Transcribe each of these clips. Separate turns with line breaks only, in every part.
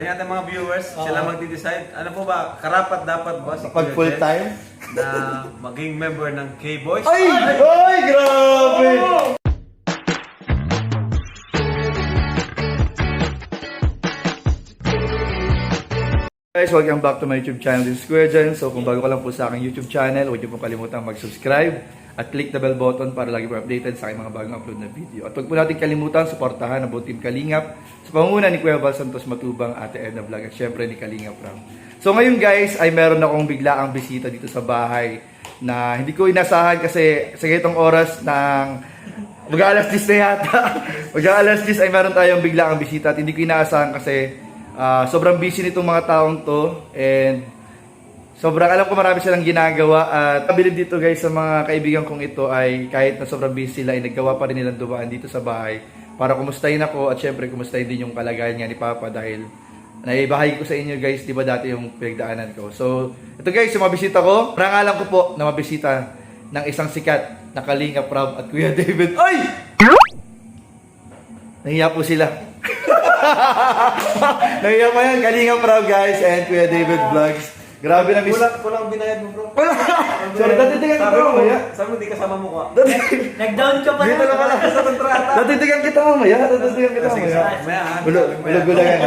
Yung ating mga viewers, sila magdi-decide. Ano po ba, karapat dapat ba si
Pag
Kuya
full
Jed
time?
na maging member ng K-Boys?
Ay! Ay! Grabe! Guys, welcome back to my YouTube channel. This is Kuya Jen. So kung bago ka lang po sa aking YouTube channel, huwag niyo pong kalimutang mag-subscribe at click the bell button para lagi po updated sa aking mga bagong upload na video. At huwag po natin kalimutan suportahan ang buong Team Kalingap sa pangunguna ni Kuya Val Santos Matubang, Ate Edna Vlog at syempre ni Kalingap Ram. So ngayon guys, ay meron akong biglaang bisita dito sa bahay na hindi ko inasahan kasi sa ganitong oras ng mag-aalas 10 na yata. Mag-aalas 10 ay meron tayong biglaang bisita at hindi ko inaasahan kasi sobrang busy nitong mga taong to and sobrang alam ko marami silang ginagawa at kabilib dito guys sa mga kaibigan kong ito ay kahit na sobrang busy sila ay naggawa pa rin nilang dumaan dito sa bahay para kumustahin ako at syempre kumustahin din yung kalagayan niya ni Papa dahil naibahagi ko sa inyo guys, di ba dati yung pinagdaanan ko. So ito guys, yung mabisita ko, rangalan ko po na mabisita ng isang sikat na Kalingap Ram at Kuya David. Ay! Nahiya po sila. Nahiya pa yan, Kalingap Ram guys and Kuya David Vlogs. Grabe na
Kulang binayad mo, bro.
Sorry, datidigan kita mamaya.
Sabi mo, di kasama mo ka.
Nag-down ka pa
Dito na pala
Sa kontrata.
Datidigan kita mamaya. Datidigan kita mamaya. Bulog-bulog yan.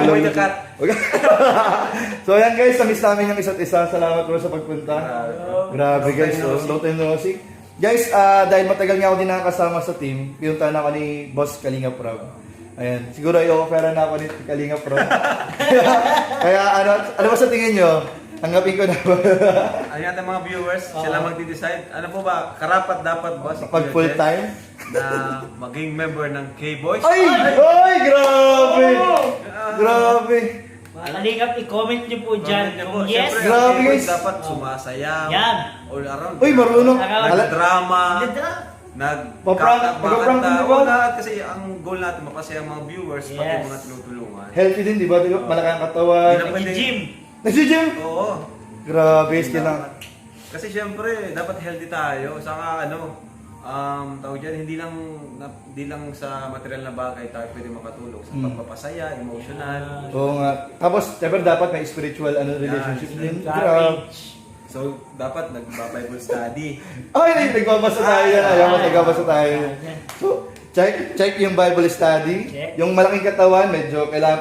So ayan guys, na-miss namin yung isa't isa. Salamat bro sa pagpunta. Grabe guys, long time no see. Guys, dahil matagal nga ako din nakakasama sa team, pinuntahan ako ni Boss Kalingap Ram. Ayan, siguro i-offer na ako ni Kalingap Ram. Kaya ano ba sa tingin nyo? Tanggapin ko na ba?
Ayun ating mga viewers, sila magdi-decide. Ano po ba, karapat dapat ba si
Pag
Kuya
full
Jed
time?
na maging member ng K-Boys?
Ay! Ay! Grabe! Grabe!
Mga Kalingap, i-comment nyo po dyan
Comment niyo
kung
po.
yes.
Siyempre,
Grabe,
ang K-Boys
guys.
dapat sumasayaw.
Yan.
All around.
Uy, marunong!
Nag-drama.
Ganda.
Paprank, mag-prank din, di ba?
Lahat kasi ang goal natin, mapasaya ang mga viewers, pati
Yes.
mga tinutulungan.
Healthy din, di ba? Malaki ang katawan.
Hindi na pwede-
Nag-gym.
Nag-gym?
Oo.
Grabe, kailangan.
Kasi syempre, dapat healthy tayo. Saka tawag dyan, hindi lang sa material na bagay tayo pwede makatulong. Sa pagpapasaya, emotional.
Oo nga. Tapos, syempre dapat may spiritual relationship din. Grabe.
Courage.
So, dapat nagba-Bible study.
Ay, nagbabasa tayo yan. Ayaw mo, nagbabasa tayo yan. So, check yung Bible study.
Check.
Yung malaking katawan, medyo kailangan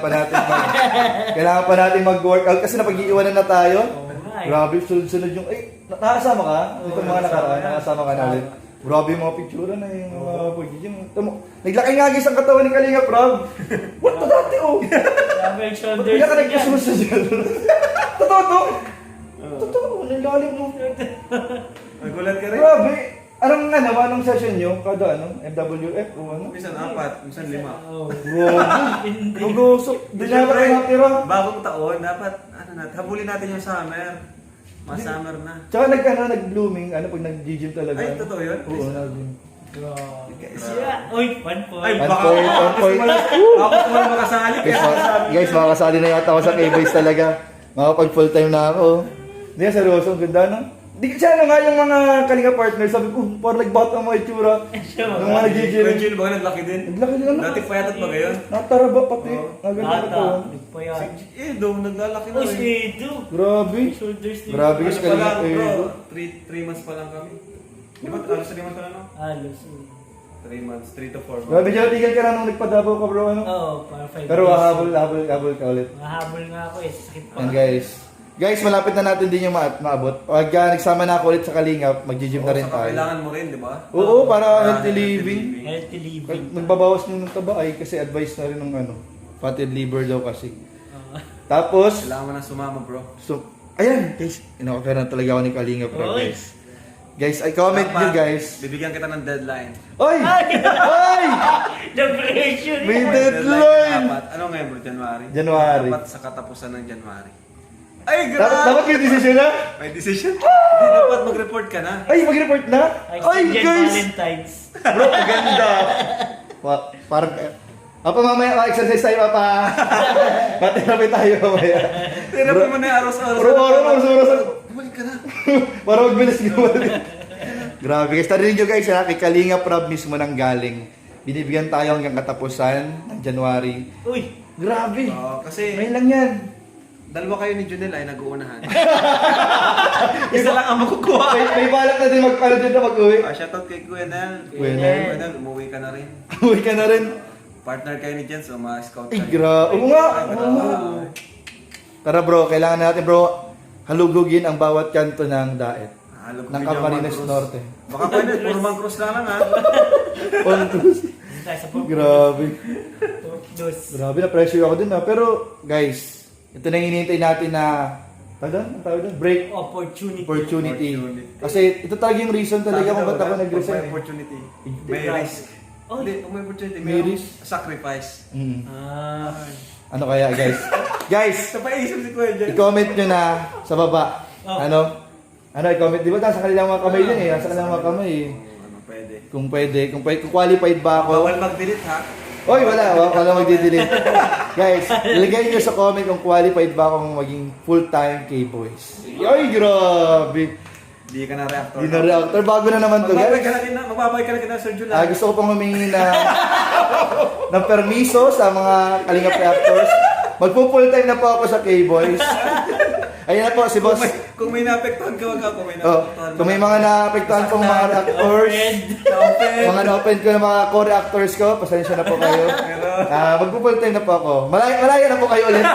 pa natin mag-workout kasi napag-iiwanan na tayo.
Ay.
Grabe, sunod-sunod yung... Ay, nakasama ka? Itong mga nakaraan, nakasama ka na ulit. Grabe yung mga picture na yung mga pag-gym. Naglaki nga guys ang katawan ni Kalingap Ram. What the dati oh?
Grabe yung shoulders.
Kaya ka nagkasumas na dyan. Totoo to? Totoo, nalalim mo.
Nagulat ka rin.
Grabe. Anong session nyo? Kada MWF o ano?
Minsan 4, minsan 5.
Oh.
Grabe.
Hindi.
Gugusok. Di na
Siyempre,
ako natira.
bagong taon, dapat, habulin natin yung summer. Mga summer na.
Tsaka nag-blooming, pag nag-gym talaga.
Ay, totoo yun?
Oo, nag-gym.
Grabe. Siya. Uy, 1 point.
Ay,
One
baka
point, one point.
ako naman makasali.
Guys, makakasali na yata ako sa K-Boys talaga. Makapag full time na ako. Hindi, seryoso, ang ganda no? Di siya nga yung mga Kalinga partner, sabi ko, parang nagbata ang mga itsura. Yung mga nag-gym.
Kuya Jill, baka naglaki din.
Naglaki din ano?
Dati payatot ba ngayon?
Nataraba pati.
Oh.
Naganda ko.
Bata. Nagpayat.
Edo, naglalaki na
Uy,
rin.
si Edu.
Grabe.
Shoulders din.
Grabe.
Ano
Bigas
pa lang,
Kalinga,
bro?
Edo.
3 months pa lang kami. Di ba? Alos 3 months pa lang, no?
Halos.
3 months, 3 to 4 months.
Grabe, tigan ka na nung nagpadabaw ka bro.
Oo, para 5
Pero habol ka ulit.
Mahabol nga ako eh. Sakit pa.
And guys, malapit na natin din yung maabot. Pag nagsama na ako ulit sa Kalingap, mag-gym na rin
Saka
tayo.
kailangan mo rin, di ba?
Oo, para
Para
healthy living.
Healthy living.
Nagbabawas ng taba ay kasi advice na rin ng fatted liver daw kasi.
Oo.
Tapos,
Kailangan mo na sumama, bro.
so, ayan, guys, ina-offer na talaga ako ni Kalingap bro,
Oy.
guys. Guys, I comment nyo guys.
Bibigyan kita ng deadline.
Oy! Oy!
The pressure.
May
Deadline
deadline!
dapat. Ano ngayon, bro? January?
January.
Dapat sa katapusan ng January. Ay,
Dapat may decision na?
May decision? Hindi dapat mag-report ka na.
Ay, mag-report na? Ay,
Extended
guys!
Valentine's.
Bro, ang ganda. Parang, mamaya, exercise tayo, papa. Materapi tayo mamaya.
Therapy mo na yung aros-aros.
Oras.
Bumalik ka na.
Para magbilis gawin. Grabe guys, tarinig nyo guys, kay Kalingap Ram mismo nang galing. Binibigyan tayo hanggang katapusan ng January.
Uy,
Grabe.
Kasi
Ngayon lang yan.
dalawa kayo ni Junel ay nag-uunahan. Isa lang ang makukuha.
May balak na din mag-ano dito mag-uwi.
Shoutout kay Kuya Nel.
Kuya Nel.
Kuya Nel, umuwi ka na rin.
Uwi ka na rin.
Partner kayo ni Jens, so ma-scout
Ay,
kayo.
Oo nga.
Ay,
Oo nga. Tara bro, kailangan natin bro halugugin ang bawat kanto ng daet.
Halog
Ng
ko
Camarines
yung
Norte.
Baka pwede, puro Cruz na lang ha.
On cruise.
Dito tayo sa Pork
Grabe.
Dos.
Grabe na pressure ako dun na. Pero guys, ito na yung hinihintay natin na ang tawag doon? Break
Opportunity.
opportunity.
Opportunity.
Kasi ito talaga yung reason talaga kung ba't ako
May
nag-resign.
opportunity.
Hindi.
May risk.
Oh.
Hindi, kung may opportunity,
May
may
risk.
sacrifice.
Ano kaya guys? Guys,
Sa paisip si Kuya Jens.
i-comment nyo na sa baba.
Oh.
Ano i-comment? Di ba nasa kanilang mga kamay din eh. Nasa kanilang mga kamay eh.
Ano, pwede.
Kung qualified ba ako.
Bawal mag-delete ha.
Oy, wala magdidelete. Guys, ilagay niyo sa comment kung qualified ba akong maging full-time K-Boys. Ay, grabe.
Hindi ka na reactor.
Di na reactor. Bago na naman to,
Magbabay
guys.
ka na rin na, magbabay ka na kita Sir July.
Gusto ko pang humingi ng permiso sa mga Kalingap reactors. Magpo-full time na po ako sa K-Boys. Ayan na po si boss.
Kung may naapektuhan ka, wag ka. Kung may
Oh,
naapektuhan
kung may mga naapektuhan pong mga reactors, mga na-open ko ng mga co-reactors ko, pasensya na po kayo. Magpo-full time na po ako. Malaya na po kayo ulit.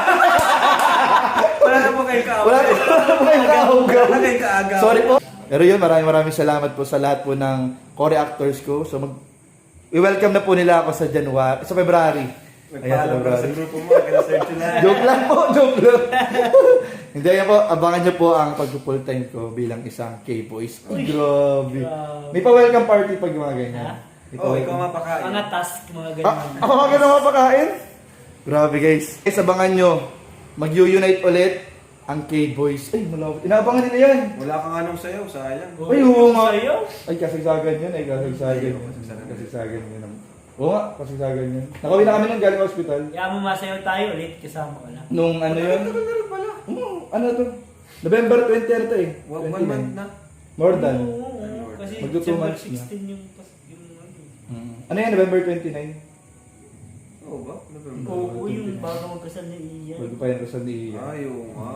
Wala na po kayo kaaway.
Wala na po kayo kahugaw.
Wala kayo kaagaw.
Sorry po. Pero yun, maraming salamat po sa lahat po ng co-reactors ko. So i-welcome na po nila ako sa February. Ayan, sa
Nagpaalam ka sa
February.
grupo mo, kaya Sir July.
Joke lang po, joke lang. Hindi, yan po, abangan nyo po ang pag-full time ko bilang isang K-Boys. Ay, grabe. May pa-welcome party pag mga ganyan.
Ha?
May
Oh, ikaw
pa-welcome.
mapakain.
Mga task, mga ganyan.
Ako mga ganun mapakain? Grabe guys. Guys, abangan nyo. Mag-unite ulit ang K-Boys. Ay, malapit. Inaabangan nila yan.
Wala kang anong sayo, sayang.
Ay, oo nga.
Sa'yo?
Ay, kasagsagan yun. Kasagsagan yun. Oo nga, kasagsagan yun. Nakawin na kami nung galing hospital.
Kaya mo masayaw tayo ulit, kasama ko lang.
Nung ano yun?
Tagal pala.
Ano to? November 20 ito eh.
1
29.
month na.
More than.
Oo, kasi
Magto 2
December
months na.
16 yung
Ano yan, November 29?
Oo ba?
Oo, yung bago magkasal ni Ian.
Bago pa yung Rosal ni Ian.
Ayaw nga.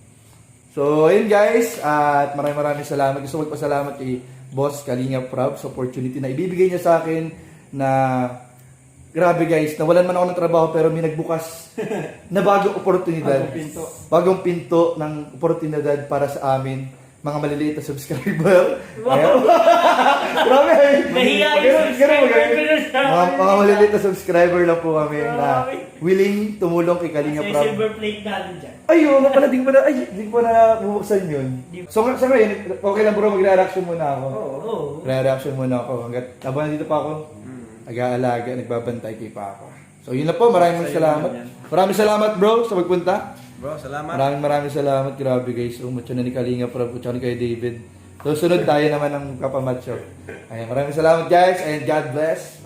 So, ayun guys. At maraming salamat. Gusto ko magpasalamat kay Boss Kalinga Prab sa opportunity na ibibigay niya sa akin na grabe guys, nawalan man ako ng trabaho pero may nagbukas na bagong oportunidad. Bagong pinto ng oportunidad para sa amin, mga maliliit na subscriber. Ayan. Grabe.
Nahiya yung
Ganun,
subscriber
ganun.
ko na sa amin.
Mga maliliit na subscriber lang po kami na willing tumulong kay Kalinga
Sa
Prab.
silver plate natin dyan.
Ay, oo nga pala, di ko pa na bubuksan yun. So, sa ngayon, okay lang bro, magre-reaction muna ako.
Oo.
Oo.
Re-reaction muna ako. Hanggat habang nandito pa ako, nag-aalaga, nagbabantay kay Papa. So, yun na po, maraming salamat. Maraming salamat bro sa pagpunta.
Bro, salamat.
Maraming salamat. Grabe guys, mucho na ni Kalinga Prab, mucho na ni kay David. So, sunod tayo naman ng kapamacho. Ayan, maraming salamat guys, and God bless.